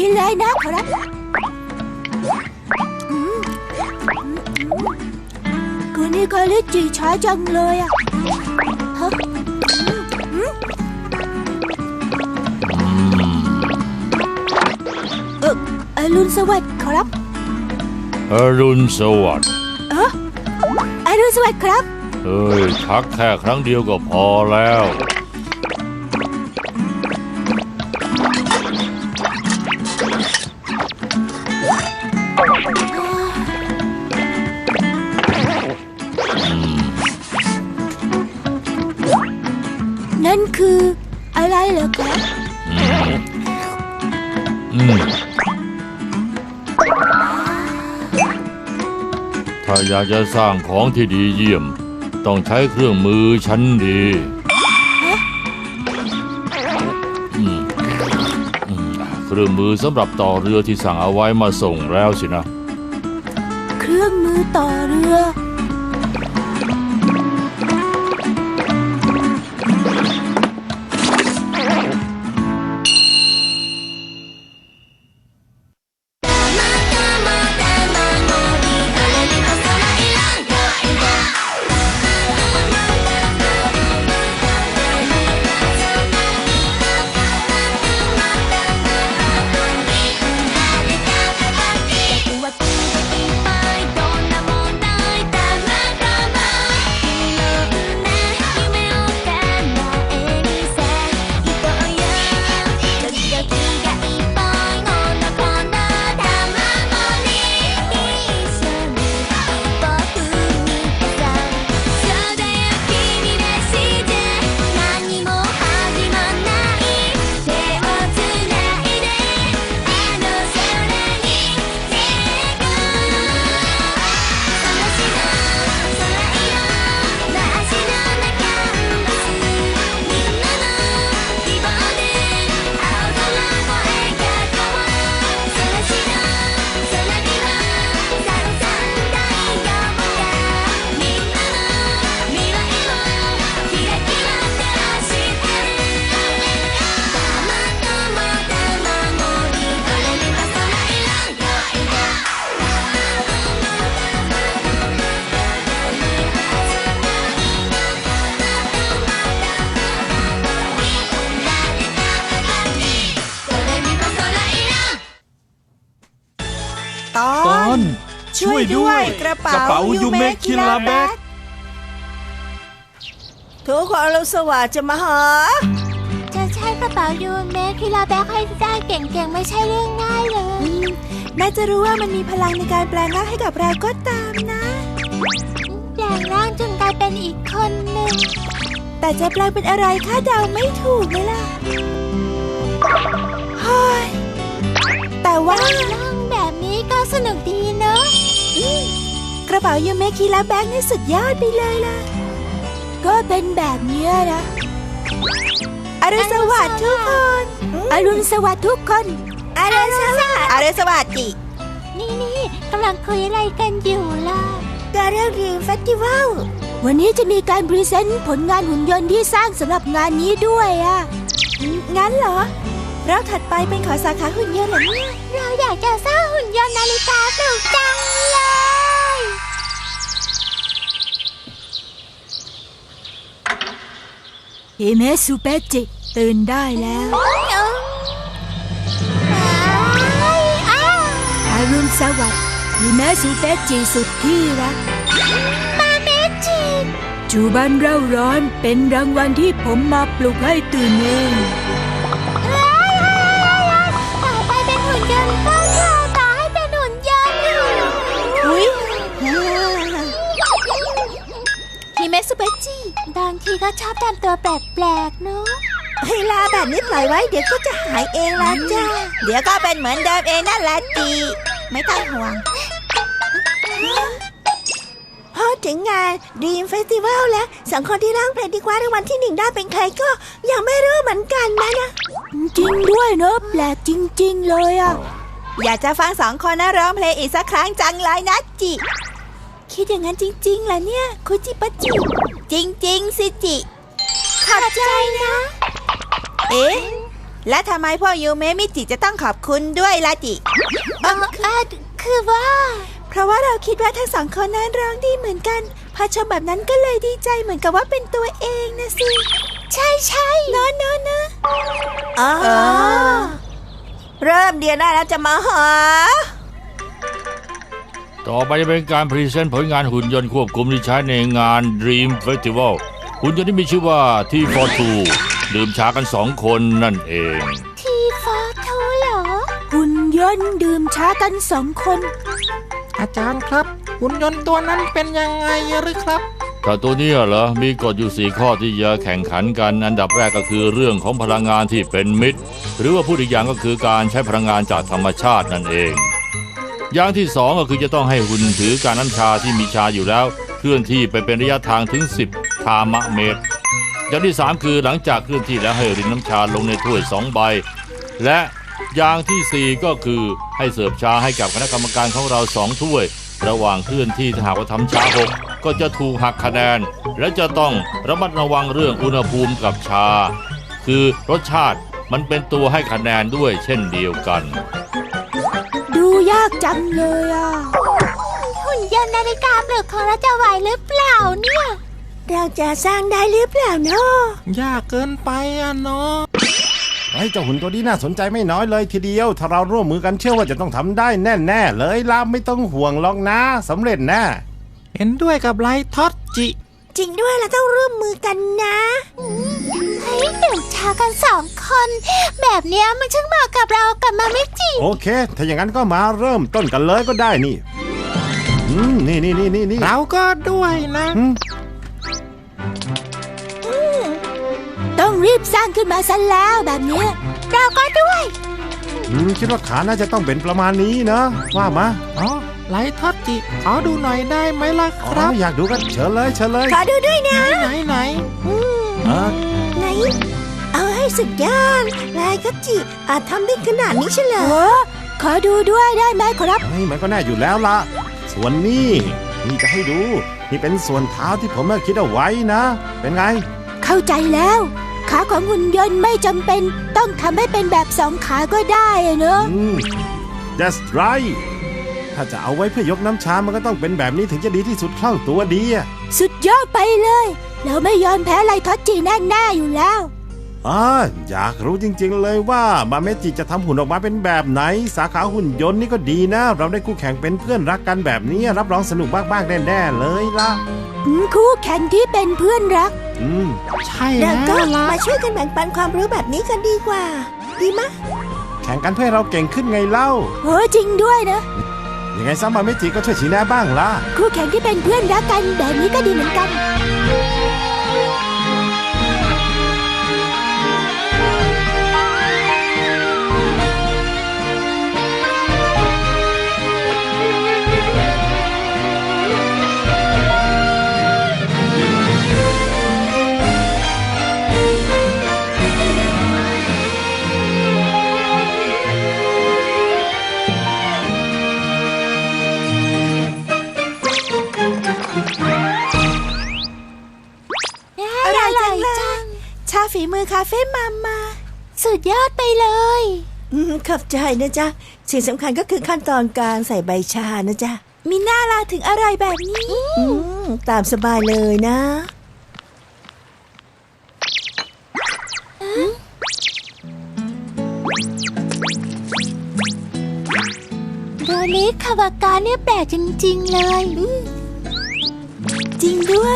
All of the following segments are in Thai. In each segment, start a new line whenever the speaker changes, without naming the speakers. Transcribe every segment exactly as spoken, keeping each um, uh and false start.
นเลยนะขอรับคืนนี้คาริจิช้าจังเลยอ่ะฮะเอออรุณสวัสดิ์ขอรับ
อรุณสวัสดิ์
เอออรุณสวัสดิ์ครับ
เฮ้ยทักแค่ครั้งเดียวก็พอแล้ว
นั่นคืออะไรเหรอครับ
อืมถ้าอยากจะสร้างของที่ดีเยี่ยมต้องใช้เครื่องมือชั้นดีเครื่องมือสำหรับต่อเรือที่สั่งเอาไว้มาส่งแล้วสินะ
เครื่องมือต่อเรือ
ตอนช่วยด้วยกระเป๋ายูเมะคิลาแบ็ก
ทุกคนอรุณสวัสดิ์จะมาหา
จะใช้กระเป๋ายูเมะคิลาแบ็กให้ได้เก่งๆไม่ใช่เรื่องง่ายเลย
แม้จะรู้ว่ามันมีพลังในการแปลงร่างให้กับเราก็ตามนะ
แปลงร่างจนกลายเป็นอีกคนหนึ่ง
แต่จะแปลงเป็นอะไรคาดเดาไม่ถูกเลยล่ะเฮ้ยแต่ว่า
แบบนี้ก็สนุกดีเนอะ
กระเป๋ายูเมะคิลาแบ็กนี่สุดยอดไปเลยล่ะ
ก็เป็นแบบนี้นะ
อรุณสวัสดิ์ทุกคน
อรุณสวัสดิ์ทุกคน
อรุณสวัสดิ์อรุณสวัสดิ์จิ
นี่นี่กำลังคุยอะไรกันอยู่ล่ะ
การเรื่องดีมเฟสติวัล
วันนี้จะมีการพรีเซนต์ผลงานหุ่นยนต์ที่สร้างสำหรับงานนี้ด้วยอ่ะ
งั้นเหรอเราถัดไปเป็นขอสาขาหุ่นยนต์เหรอเนี่ย
เราอยากจะสร้างหุ่นยนต์นาฬิกาปลุกจังเลยฮิเมะซูเปจิตื่นได้แล้วอรุณสวัสดิ์ฮิเมะซูเปจิสุดที่รักมาเมจิจูบันเร่าร้อนเป็นรางวัลที่ผมมาปลุกให้ตื่นเอง
ฮิเมะซูเปจิ
บางทีก็ชอบทำตัวแปลกๆเนอะ
เวลาแบบนี้ปล่อยไว้เดี๋ยวก็จะหายเองละจ้าเดี๋ยวก็เป็นเหมือนเดิมเองนั่นแหละจีไม่ต้องห่วงพอถึงงานดีมเฟสติวัลแล้วสองคนที่ร้องเพลงที่คว้ารางวัลที่หนึ่งได้เป็นใครก็ยังไม่รู้เหมือนกันนะนะ
จริงด้วยเนอะแปลกจริงๆเลยอ่ะ
อยากจะฟังสองคนนะร้องเพลงอีกสักครั้งจังเลยนะจิคิดอย่างนั้นจริงๆเหรอเนี่ยคุจิปะจิจริงๆสิจิขอบใจนะเอ๊ะ
และทำไมพ่อยูเมะมิจิจะต้องขอบคุณด้วยล่ะจิเออคือว่า เพราะว่าเราคิดว่าทั้งสองคนนั้นร้องดีเหมือนกันพอชมแบบนั้นก็เลยดีใจเหมือนกับว่าเป็นตัวเองนะสิใช่ใช่เนอะเนอะเนอะ
อ๋อเริ่มเดือนหน้าแล้วจะมาหา
ต่อไปจะเป็นการพรีเซนต์ผลงานหุ่นยนต์ควบคุมที่ใช้ในงาน Dream Festival หุ่นยนต์ที่มีชื่อว่า ที โฟร์ ทู ดื่มชากันสองคนนั่นเอง
ทีฟอร์ทูเหรอ
หุ่นยนต์ดื่มชากันสองคน
อาจารย์ครับหุ่นยนต์ตัวนั้นเป็นยังไงหรือครับ
แต่ตัวนี้เหรอ มีกฎอยู่สี่ข้อที่จะแข่งขันกัน อันดับแรกก็คือเรื่องของพลังงานที่เป็นมิตร หรือว่าพูดอีกอย่างก็คือการใช้พลังงานจากธรรมชาตินั่นเอง อย่างที่สองก็คือจะต้องให้หุ่นถือการน้ำชาที่มีชาอยู่แล้วเคลื่อนที่ไปเป็นระยะทางถึงสิบคามะเมตร อย่างที่สามคือหลังจากเคลื่อนที่แล้วให้รินน้ำชาลงในถ้วยสองใบ และอย่างที่สี่ก็คือให้เสิร์ฟชาให้กับคณะกรรมการของเราสองถ้วย ระหว่างเคลื่อนที่ถ้าหากว่าทำชาหกก็จะถูกหักคะแนน และจะต้องระมัดระวังเรื่องอุณหภูมิกับชา คือรสชาติมันเป็นตัวให้คะแนนด้วยเช่นเดียวกัน
ดูยากจังเลยอ่ะ
หุ่นยนต์นาฬิกาปลุกของเราจะไหวหรือเปล่าเนี่ย
เราจะสร้างได้หรือเปล่าเนาะ
ยากเกินไปอะเนาะ
ไอ้เจ้าหุ่นตัวนี้น่าสนใจไม่น้อยเลยทีเดียว ถ้าเราร่วมมือกันเชื่อว่าจะต้องทำได้แน่ๆเลยล่ะไม่ต้องห่วงหรอกนะสำเร็จแน่
เห็นด้วยกับไลท็อตจิ
จริงด้วยเราต้องร่วมมือกันนะ
เฮ้ยดื่มชากันสองคน แบบเนี้ยมันช่างเหมาะกับเรากับมามิจิ
โอเค ถ้าอย่างนั้นก็มาเริ่มต้นกันเลยก็ได้นี่อืมนี่นี่นี่นี่นี่
เราก็ด้วยนะ
อืม
ต้องรีบสร้างขึ้นมาซะแล้วแบบเนี้ย
เราก็ด้วย
อืมคิดว่าขาน่าจะต้องเป็นประมาณนี้นะว่ามา
อ๋อไลท็อตจิขอดูหน่อยได้ไหมล่ะ
อ๋
ครั
อบ อยากดูก็เชิญเลยเชิญเลย
ขอดูด้วยนะ
ไหนไหน
เออ
ไหน เอาให้สุดยอดลายก็จิอาจทำได้ขนาดนี้เฉล
โอ้
ย
ขอดูด้วยได้ไหมครับ
เฮ้ยมันก็แน่อยู่แล้วล่ะส่วนนี้นี่จะให้ดู นี่เป็นส่วนเท้าที่ผมเมื่อคิดเอาไว้นะ เป็นไง
เข้าใจแล้ว ขาของหุ่นยนต์ไม่จำเป็นต้องทำให้เป็นแบบสองขาก็ได้อะเนอะ
อืม that's right ถ้าจะเอาไว้เพื่อยกน้ำชา มันก็ต้องเป็นแบบนี้ถึงจะดีที่สุดคล่องตัวดีอะ
สุดยอดไปเลย เราไม่ยอมแพ้ไลทอตจีแน่ๆอยู่แล้ว
อ่าอยากรู้จริงๆเลยว่ามาเมจิจะทำหุ่นออกมาเป็นแบบไหน สาขาหุ่นยนต์นี่ก็ดีนะ เราได้คู่แข่งเป็นเพื่อนรักกันแบบนี้ รับรองสนุกบ้างๆแน่ๆเลยล่ะ
อืมคู่แข่งที่เป็นเพื่อนรัก
อืม
ใช่
เรา
แล้
ก็
วล่ะ
มาช่วยกันแบ่งปันความรู้แบบนี้กันดีกว่า ดีมะ
แข่งกันเพื่อให้เราเก่งขึ้นไงเล่า
โอ้จริงด้วยนะ
ยังไงซ้ำมาเมจิก็ช่วยชี้แนะบ้างล่ะ
คู่แข่งที่เป็นเพื่อนรักกันแบบนี้ก็ดีเหมือนกัน
อร่อยจังเลย
ชาฝีมือคาเฟ่มามา สุดยอดไปเลย
อืมขอบใจนะจ๊ะ สิ่งสำคัญก็คือขั้นตอนการใส่ใบชานะจ๊ะ
มีหน้าลาถึงอร่อยแบบนี้
อืมตามสบายเลยนะ
โดนิคาวากาเนี่ยแปลกจริงๆเลย
จริงด้วย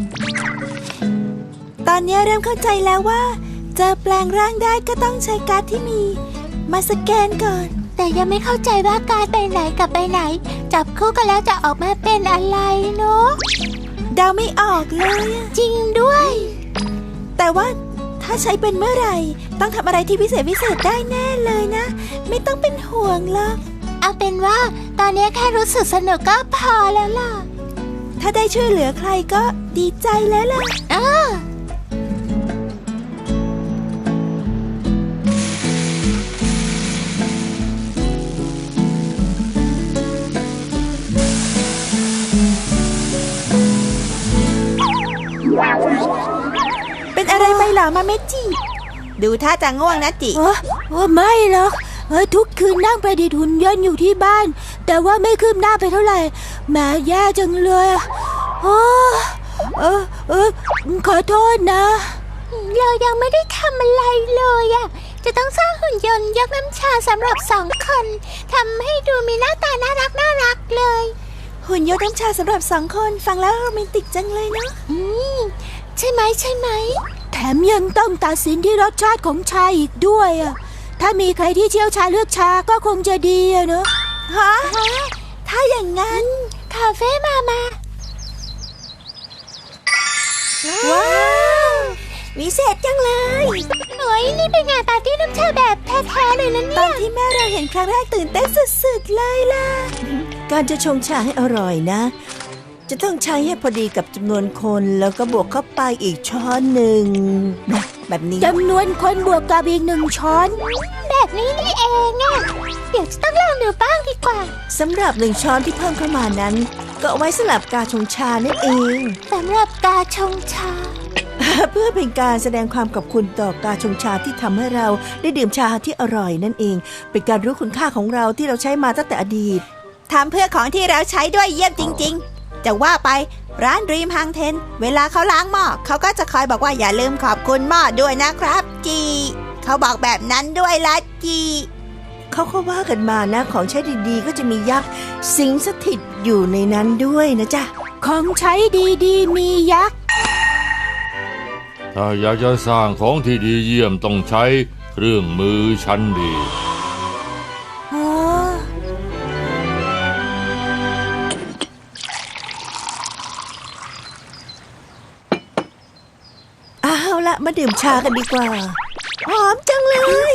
ตอนนี้เริ่มเข้าใจแล้วว่า จะแปลงร่างได้ก็ต้องใช้การ์ดที่มี มาสแกนก่อน
แต่ยังไม่เข้าใจว่าการไปไหนกับไปไหน จับคู่กันแล้วจะออกมาเป็นอะไรเนาะ
เดาไม่ออกเลยอะ
จริงด้วย
แต่ว่าถ้าใช้เป็นเมื่อไหร่ ต้องทำอะไรที่พิเศษพิเศษได้แน่เลยนะ ไม่ต้องเป็นห่วงหรอก
เอาเป็นว่าตอนนี้แค่รู้สึกสนุกก็พอแล้วล่ะ
ถ้าได้ช่วยเหลือใครก็ดีใจแล้วล่ะ
อ้า
เป็นอะไรไปเหรอมาเมจิ
ดูท่าจะง่วงนะจิ
เออเออไม่หรอกเออทุกคืนนั่งประดิษฐ์หุ่นยนต์อยู่ที่บ้าน แต่ว่าไม่คืบหน้าไปเท่าไหร่แหม่แย่จังเลยอะโอ้เออเออขอโทษนะ
เรายังไม่ได้ทำอะไรเลยอะจะต้องสร้างหุ่นยนต์ยกน้ำชาสำหรับสองคนทำให้ดูมีหน้าตาน่ารักน่ารักเลย
หุ่นยนต์น้ำชาสำหรับสองคนฟังแล้วโรแมนติกจังเลยเนาะ
อืมใช่ไหมใช่ไหม
แถมยังต้องตัดสินที่รสชาติของชาอีกด้วยอะถ้ามีใครที่เชี่ยวชาญเลือกชาก็คงจะดีอะเนอะ
ฮะถ้าอย่างนั้น
คาเฟ่มามา
ว้าววิเศษจังเลย
หน่อยนี่เป็นงานปาร์ตี้น้ำชาแบบแท้ๆเลยนะ
ต
เนี่
อย นที่แม่เราเห็นครั้งแรกตื่นเต้นสุดๆเลยล่ะ การจะชงชาให้อร่อยนะ จะต้องใช้ให้พอดีกับจำนวนคนแล้วก็บวกเข้าไปอีกช้อนหนึ่งนะแบบนี้
จำนวนคนบวกกับอีกหนึ่งช้อน
แบบนี้นี่เองอะเดี๋ยวจะต้องลองดูบ้างดีกว่า
สำหรับหนึ่งช้อนที่เพิ่มเข้ามานั้น ก็เอาไว้สำหรับการชงชานั่นเอง
สำหรับกาชงชา
เพื่อเป็นการแสดงความขอบคุณต่อการชงชาที่ทำให้เราได้ดื่มชาที่อร่อยนั่นเอง เป็นการรู้คุณค่าของเราที่เราใช้มาตั้งแต่อดีตทำเพื่อของที่เราใช้ด้วยเยี่ยมจริงๆ จะว่าไปร้านรีมฮังเทนเวลาเขาล้างหม้อเขาก็จะคอยบอกว่าอย่าลืมขอบคุณหม้อด้วยนะครับจีเขาบอกแบบนั้นด้วยละจีเขาก็ว่ากันมานะของใช้ดีๆก็จะมียักษ์สิงสถิตอยู่ในนั้นด้วยนะจ๊ะ
ของใช้ดีๆมียักษ์
ถ้าอยากจะสร้างของที่ดีเยี่ยมต้องใช้เครื่องมือชั้นดี
อ๋อ
เอาละมาดื่มชากันดีกว่าหอมจังเลย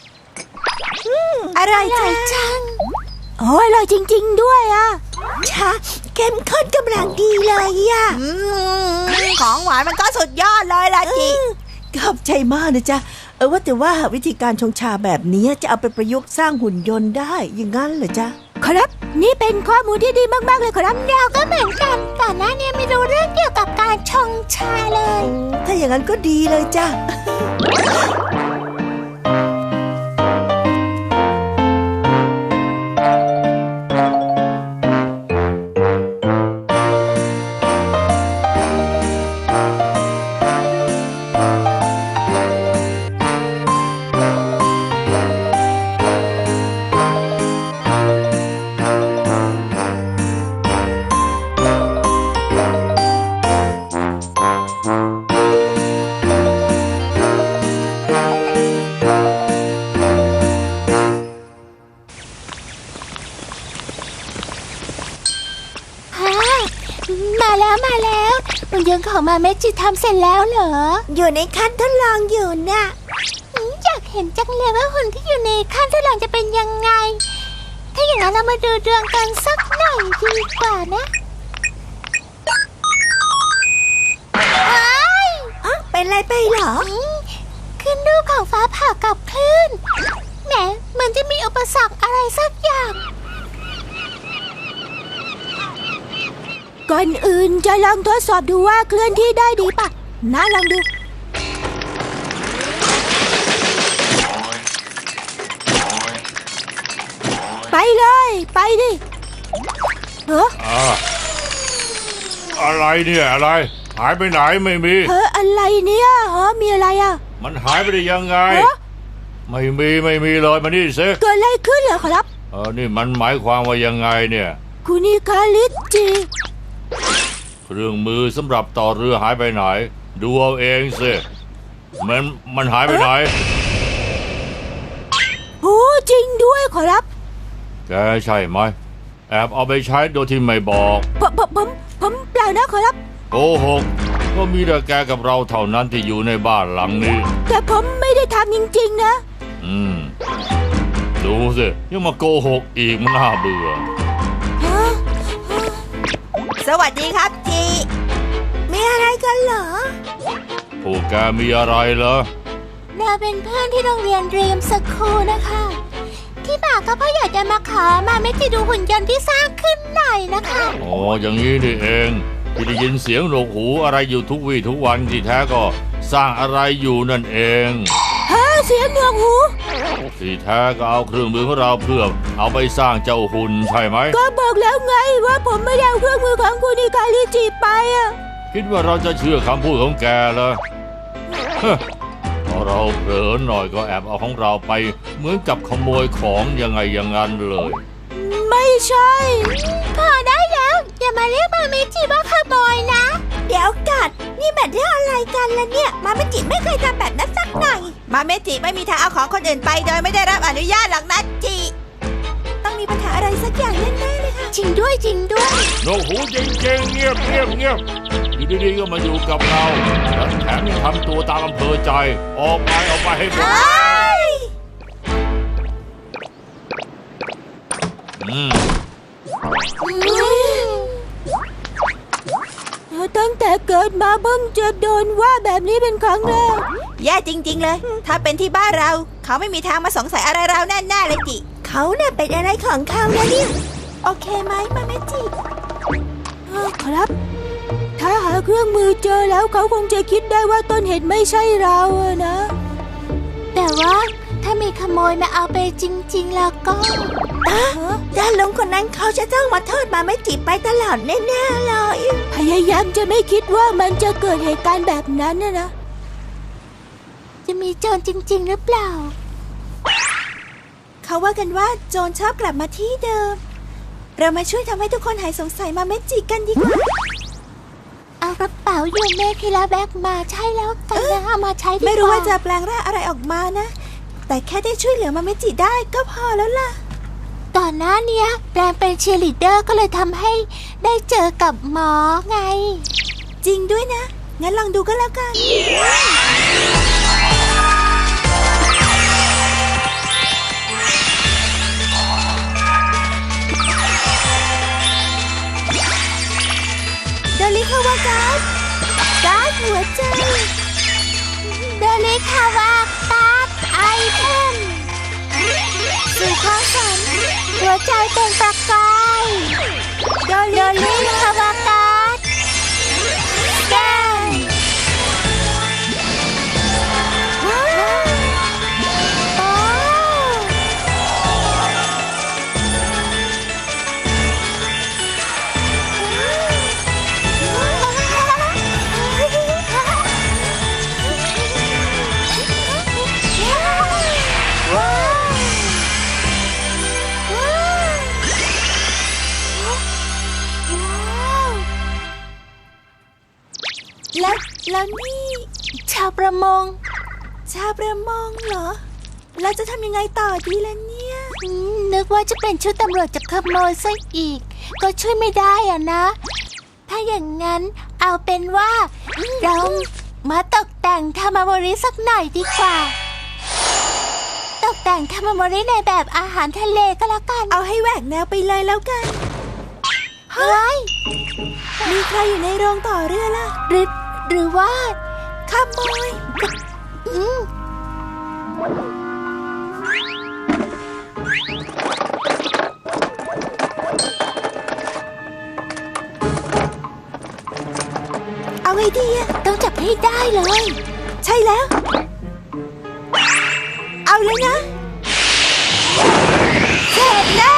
อะไรจังจัง
โอ้ยอร่อยจริงๆด้วยอะ
ชาเข้มข้นกำลังดีเลยอะของหวานมันก็สุดยอดเลยล่ะจิขอบใจมากนะจ๊ะเออว่าแต่ว่าวิธีการชงชาแบบนี้จะเอาไปประยุกต์สร้างหุ่นยนต์ได้อย่างนั้นเหรอจ๊ะ
ครับนี่เป็นข้อมูลที่ดีมากๆเลยครับ
เราก็เหมือนกันก่อนหน้านี้ไม่รู้เรื่องเกี่ยวกับการชงชาเลย
ถ้าอย่างนั้นก็ดีเลยจ้ะ
มาแล้วมาแล้วหุ่นยนต์ของมาเมจิทำเสร็จแล้วเหรอ
อยู่ในขั้นทดลองอยู่น่ะ
อืมอยากเห็นจังเลยว่าหุ่นที่อยู่ในขั้นทดลองจะเป็นยังไง ถ้าอย่างนั้นเรามาดูดวงกันสักหน่อยดีกว่านะไอ้
อ๋อเป็นไรไปเหรอ
อืมขึ้นรูปของฟ้าผ่ากับคลื่นแหมเหมือนจะมีอุปสรรคอะไรสักอย่าง
ก่อนอื่นจะลองทดสอบดูว่าเคลื่อนที่ได้ดีปะนะลองดู ไปเลยไปดิเออ
อ่าอะไรเนี่ยอะไร หายไปไหนไม่มี
เอออะไรเนี่ยฮะมีอะไรอ่ะ
มันหายไปได้ยังไง
ฮะ
ไม่มีไม่มีเลยมานี่สิ
เกิดอะไรขึ้นเหรอครับ
เออนี่มันหมายความว่ายังไงเนี่ย
คุณนิคาลิจิ
เครื่องมือสำหรับต่อเรือหายไปไหน ดูเอาเองสิมันมันหายไปไหน
โอ้จริงด้วยขอรับ
แกใช่ไหมแอบเอาไปใช้โดยที่ไม่บอก
ผมผมผมผมเปล่านะขอรับ
โกหกก็มีแต่แกกับเราเท่านั้นที่อยู่ในบ้านหลังนี้
แต่ผมไม่ได้ทำจริงๆนะ
อืมดูสิยังมาโกหกอีกมันน่าเบื่อ
ฮะ
สวัสดีครับจีมีอะไรกันเหรอ
พวกแกมีอะไรเหรอ
เราเป็นเพื่อนที่โรงเรียนเรียมสคูลนะคะ ที่มาก็เพราะอยากจะมาขอมาเมจิดูหุ่นยนต์ที่สร้างขึ้นหน่อยนะคะ
อ๋ออย่างนี้นี่เองที่ได้ยินเสียงหนวกหูอะไรอยู่ทุกวี่ทุกวันที่แท้ก็สร้างอะไรอยู่นั่นเอง
ฮะเสียงหนวกหู
ที่แท้ก็เอาเครื่องมือของเราเพื่อเอาไปสร้างเจ้าหุ่นใช่ไหม
ก็บอกแล้วไงว่าผมไม่ได้เอาเครื่องมือของคุณอิกาลิจิไปอะ
คิดว่าเราจะเชื่อคำพูดของแกเหรอฮะพอเราเผลอหน่อยก็แอบเอาของเราไปเหมือนกับขโมยของยังไงอย่างนั้นเลย
ไม่ใช่
พอได้แล้วอย่ามาเรียกมาเมจิว่าขโมยนะ
เดี๋ยวกัดนี่แบบเรื่องอะไรกันล่ะเนี่ย มาไม่จิไม่เคยทำแบบนั้นสักหน่อย
มาเมจิไม่มีทางเอาของคนอื่นไปโดยไม่ได้รับอนุญาตหรอกนะจิ
ต้องมีปัญหาอะไรสักอย่างแน่ๆเลยค่ะ
จริงด้วยจริงด้วย
โนหูจริงๆเงียบเงียบเงียบอยู่ดีๆก็มาอยู่กับเราแล้วแถมยังทำตัวตามอำเภอใจ ออกไปออกไปให้หมดอืม
ตั้งแต่เกิดมาเพิ่งจะโดนว่าแบบนี้เป็นครั้งแรก
แย่จริง ๆ เลย ถ้าเป็นที่บ้านเรา เขาไม่มีทางมาสงสัยอะไรเราแน่ๆเลยจิ
เขาเนี่ยเป็นอะไรของเขานะเนี่ย โอเคไหมมาเมจิ
ครับ ถ้าหาเครื่องมือเจอแล้วเขาคงจะคิดได้ว่าต้นเหตุไม่ใช่เราอะนะ
แต่ว่าถ้ามีขโมยมาเอาไปจริง ๆ แล้วก็
ด้านลุงคนนั้นเขาจะต้องมาโทษมาเมจิไปตลอดแน่ๆเลย
พยายามจะไม่คิดว่ามันจะเกิดเหตุการณ์แบบนั้นนะนะ
จะมีโจรจริง ๆ หรือเปล่า
เขาว่ากันว่าโจรชอบกลับมาที่เดิม เรามาช่วยทำให้ทุกคนหายสงสัยมาเมจิกันดีกว่า
เอากระเป๋ายูเมคิลาแบกมาใช่แล้วกันนะเอามาใช้ดีกว่า
ไม่รู้ว่าจะแปลงร่างอะไรออกมานะ แต่แค่ได้ช่วยเหลือมาเมจิได้ก็พอแล้วล่ะ
ก่อนหน้าเนี้ยแปลงเป็นเชียร์ลีดเดอร์ก็เลยทำให้ได้เจอกับหมอไง
จริงด้วยนะ งั้นลองดูก็แล้วกัน โดริคาวาการ์ดการ์ดหัวใจ
เดลิคาวาการ์ดไอเทมสู่ความฝันหัวใจเป็นประกายโดลิคาวาการ์ดแกนว้าวโอ้ว้าว
แล้วแล้วนี่
ชาวประมง
ชาวประมงเหรอ เราจะทำยังไงต่อดีล่ะเนี่ย
อืมนึกว่าจะเป็นชุดตำรวจจับขโมยซะอีก ก็ช่วยไม่ได้อ่ะนะ ถ้าอย่างนั้นเอาเป็นว่าเรามาตกแต่งทามาโมริสักหน่อยดีกว่า ตกแต่งทามาโมริในแบบอาหารทะเลก็แล้วกัน
เอาให้แหวกแนวไปเลยแล้วกัน
เฮ้ย
มีใครอยู่ในโรงต่อเรือล่ะ
หรือหรือว่า
ขโมย
อืม
เอาไงดีอะ
ต้องจับให้ได้เลย
ใช่แล้ว เอาเลยนะ เสร็จแล้ว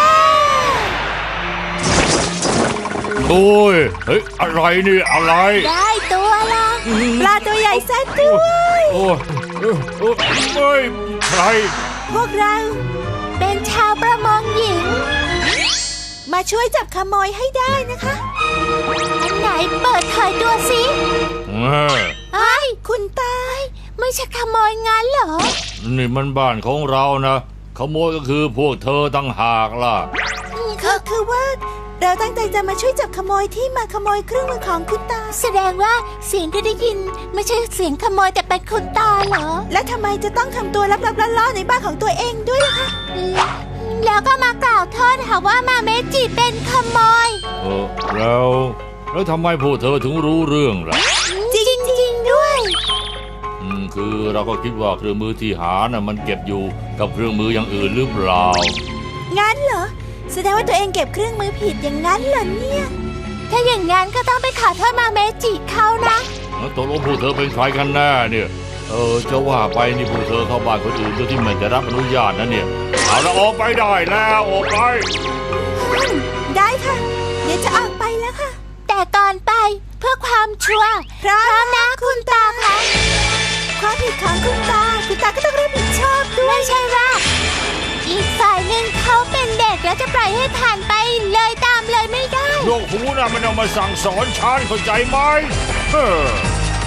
โอ้ยเฮ้ยอะไรนี่อะไร
ได้ตัวละ
ปลาตัวใหญ่ซะด้วย
โอ้ยเอ้ยเอ้ยเอ้ยใคร
พวกเรา
เป็นชาวประมงหญิง
มาช่วยจับขโมยให้ได้นะคะ
อันไหนเปิดเผยตัวสิ
เออ
ไอ้ย
คุณตาย
ไม่ใช่ขโมยงั้นเหรอ
นี่มันบ้านของเรานะขโมยก็คือพวกเธอตั้งหากล่ะ
ก็คือว่า เราตั้งใจจะมาช่วยจับขโมยที่มาขโมยเครื่องมือของคุณตา
แสดงว่าเสียงที่ได้ยินไม่ใช่เสียงขโมยแต่เป็นคุณตาเหรอ
และทำไมจะต้องทำตัวลับๆล่อๆในบ้านของตัวเองด้วยล่ะคะ
แล้วก็มากล่าวโทษหาว่ามาเมจิเป็นขโมย
เออแล้วแล้วทำไมพวกเธอถึงรู้เรื่องล่ะ
จริงจริงด้วย
อืมคือเราก็คิดว่าเครื่องมือที่หาน่ะมันเก็บอยู่กับเครื่องมืออย่างอื่นหรือเปล่า
งั้นเหรอ แสดงว่าตัวเองเก็บเครื่องมือผิดอย่างนั้นเหรอเนี่ย
ถ้าอย่างงั้นก็ต้องไปขอโทษมาเมจิเขานะ
แล้วตกลงพวกเธอเป็นใครกันแน่เนี่ยเออจะว่าไปนี่พวกเธอเข้าบ้านคนอื่นโดยที่ไม่ได้รับอนุญาตนะเนี่ยเอาละออกไปได้แล้วออกไป
ได้ค่ะ เดี๋ยวจะออกไปแล้วค่ะ
แต่ก่อนไปเพื่อความชัวร์
พร้อม
นะคุณตาคะ
ความผิดของคุณตา คุณตาก็ต้องรับผิดชอบด้วย
ไม่ใช่ว่าอีกฝ่ายหนึ่งเขาเป็นเด็กแล้วจะปล่อยให้ผ่านไปเลยตามเลยไม่ได้
โลกหูนะมันเอามาสั่งสอนฉันเข้าใจไหมเฮ้อ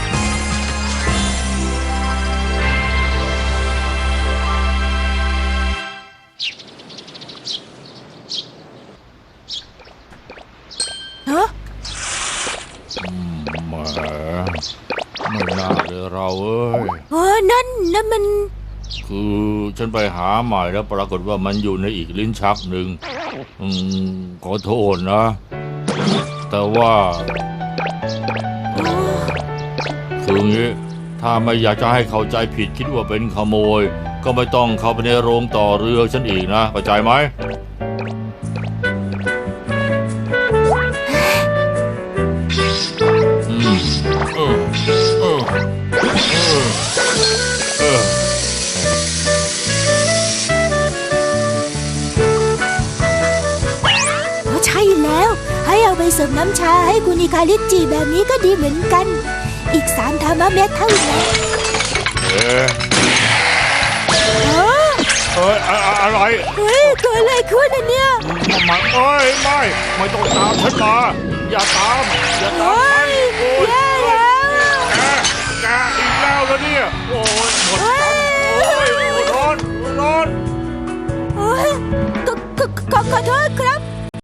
ฮะ
แหมไม่น่าเลยเราเอ้ย
เออนั่นนั่นมัน
คือฉันไปหาใหม่แล้วปรากฏว่ามันอยู่ในอีกลิ้นชักหนึ่งอืมขอโทษนะ แต่ว่าคืองี้ถ้าไม่อยากจะให้เข้าใจผิดคิดว่าเป็นขโมย ก็ไม่ต้องเข้าไปในโรงต่อเรือฉันอีกนะเข้าใจไหมอืมเออเออเออเออ
อ๋อใช่แล้ว ให้เอาไปเสริมน้ำชาให้คุณอิคาริจิแบบนี้ก็ดีเหมือนกัน อีกสามธรรมะเม็ดเท่านั้น
เอ๊ะ
เออ
เอ้ยอะอะอะไร
เฮ้ยเกิดอะไรขึ้นอ่ะเนี่ย
มาเอ้ยไม่ ไม่ต้องตามฉันมา อย่าตาม อย่าตาม
เฮ้
ฉัน
ย
โอ้ย
แย่แล้ว
แกแกอีกแล้วเหรอเนี่ย โอ้ยหมดกันโอ้ยร้อนร้อน
โอ้ยขอขอขอขอโทษครับ